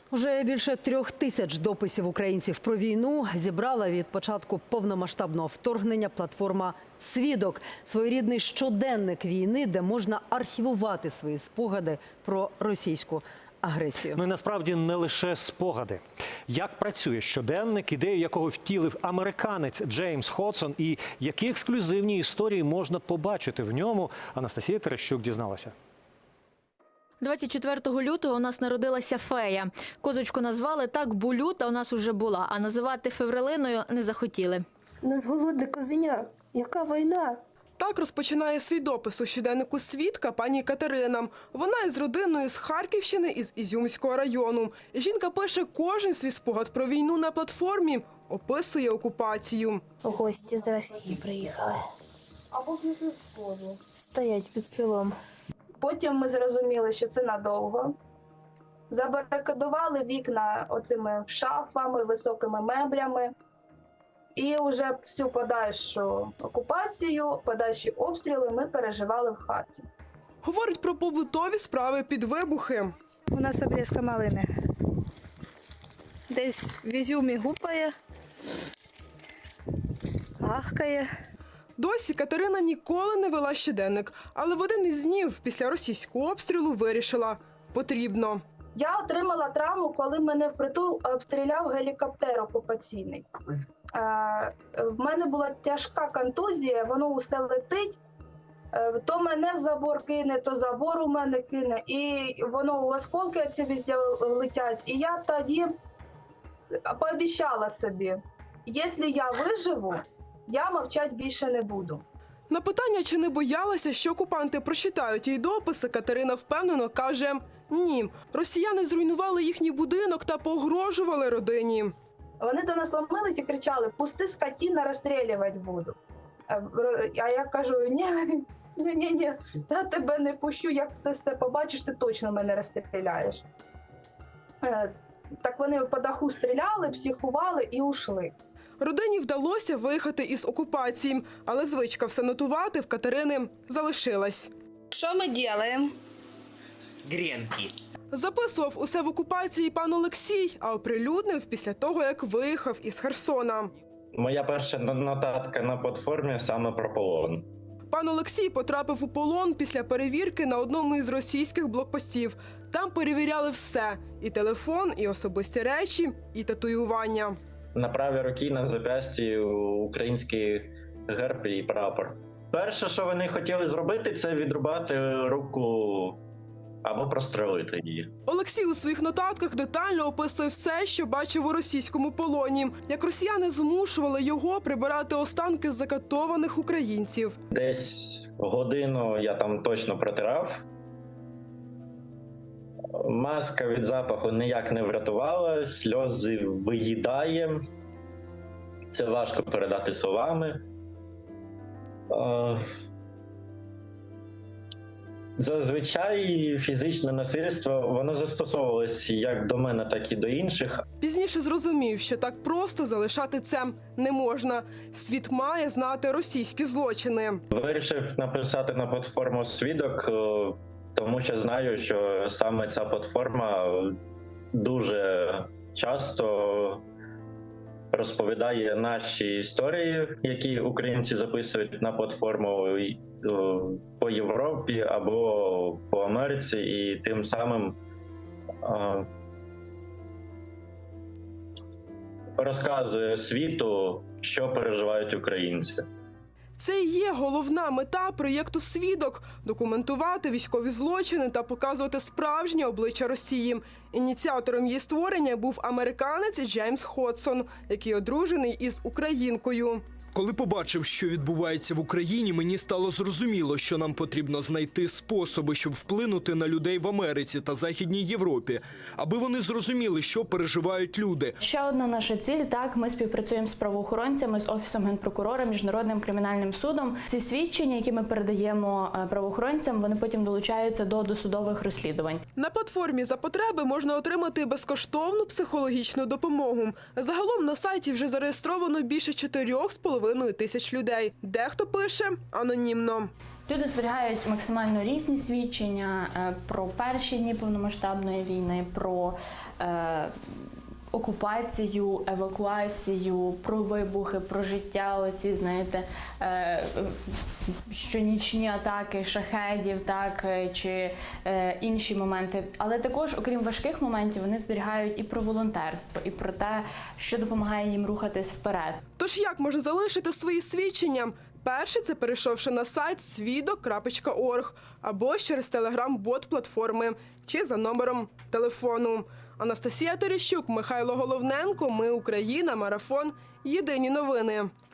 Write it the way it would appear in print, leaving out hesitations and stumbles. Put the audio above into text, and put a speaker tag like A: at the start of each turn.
A: Уже більше 3000 дописів українців про війну зібрала від початку повномасштабного вторгнення платформа «Свідок» – своєрідний щоденник війни, де можна архівувати свої спогади про російську агресію.
B: Ну і насправді не лише спогади. Як працює щоденник, ідею якого втілив американець Джеймс Ходсон, і які ексклюзивні історії можна побачити в ньому, Анастасія Терещук дізналася.
C: 24 лютого у нас народилася фея. Козочку назвали так, бо люта у нас уже була, а називати Феврелиною не захотіли.
D: Не зголодне козеня. Яка війна?
E: Так розпочинає свій допис у щоденнику «Свідка» пані Катерина. Вона із родиною з Харківщини, із Ізюмського району. І жінка пише кожен свій спогад про війну на платформі, описує окупацію.
D: Гості з Росії приїхали.
F: Або після сходу.
D: Стоять під селом.
F: Потім ми зрозуміли, що це надовго. Забарикадували вікна оцими шафами, високими меблями. І вже всю подальшу окупацію, подальші обстріли ми переживали в хаті.
E: Говорить про побутові справи під вибухи.
D: У нас обрізка малини. Десь в Ізюмі гупає, ахкає.
E: Досі Катерина ніколи не вела щоденник, але в один із днів після російського обстрілу вирішила – потрібно.
F: Я отримала травму, коли мене впритул обстріляв гелікоптер окупаційний. В мене була тяжка контузія, воно усе летить. То мене в забор кине, то забор у мене кине. І воно осколки ці везде летять. І я тоді пообіцяла собі, якщо я виживу, я мовчати більше не буду.
E: На питання, чи не боялася, що окупанти прочитають її дописи, Катерина впевнено каже – ні. Росіяни зруйнували їхній будинок та погрожували родині.
F: Вони до нас ломились і кричали: «Пусти, скотина, розстрілювати буду». А я кажу: ні, я тебе не пущу, як це все побачиш, ти точно мене розстріляєш. Так вони по даху стріляли, психували і ушли.
E: Родині вдалося виїхати із окупації, але звичка все нотувати в Катерини залишилась.
D: Що ми робимо?
G: Гренки.
E: Записував усе в окупації пан Олексій, а оприлюднив після того, як виїхав із Херсона.
H: Моя перша нотатка на платформі саме про полон.
E: Пан Олексій потрапив у полон після перевірки на одному із російських блокпостів. Там перевіряли все – і телефон, і особисті речі, і татуювання.
H: На правій руці на зап'ясті український герб і прапор. Перше, що вони хотіли зробити, це відрубати руку або прострелити її.
E: Олексій у своїх нотатках детально описує все, що бачив у російському полоні. Як росіяни змушували його прибирати останки закатованих українців.
H: Десь годину я там точно протирав. Маска від запаху ніяк не врятувала, сльози виїдає. Це важко передати словами. Зазвичай фізичне насильство, воно застосовувалось як до мене, так і до інших.
E: Пізніше зрозумів, що так просто залишати це не можна. Світ має знати російські злочини.
H: Вирішив написати на платформу «Свідок», тому що знаю, що саме ця платформа дуже часто розповідає наші історії, які українці записують на платформу по Європі або по Америці, і тим самим розказує світу, що переживають українці.
E: Це і є головна мета проєкту «Свідок» – документувати військові злочини та показувати справжнє обличчя Росії. Ініціатором її створення був американець Джеймс Ходсон, який одружений із українкою.
I: Коли побачив, що відбувається в Україні, мені стало зрозуміло, що нам потрібно знайти способи, щоб вплинути на людей в Америці та Західній Європі, аби вони зрозуміли, що переживають люди.
J: Ще одна наша ціль – так, ми співпрацюємо з правоохоронцями, з Офісом Генпрокурора, Міжнародним кримінальним судом. Ці свідчення, які ми передаємо правоохоронцям, вони потім долучаються до досудових розслідувань.
E: На платформі «За потреби» можна отримати безкоштовну психологічну допомогу. Загалом на сайті вже зареєстровано більше 4,5 тисяч людей. Дехто пише анонімно.
J: Люди зберігають максимально різні свідчення про перші дні повномасштабної війни, про окупацію, евакуацію, про вибухи, про життя, оці, знаєте, щонічні атаки шахедів, так, чи інші моменти. Але також, окрім важких моментів, вони зберігають і про волонтерство, і про те, що допомагає їм рухатись вперед.
E: Тож як можна залишити свої свідчення? Перше – це перейшовши на сайт свідок.орг або через телеграм-бот платформи чи за номером телефону. Анастасія Терещук, Михайло Головненко. Ми Україна. Марафон. Єдині новини.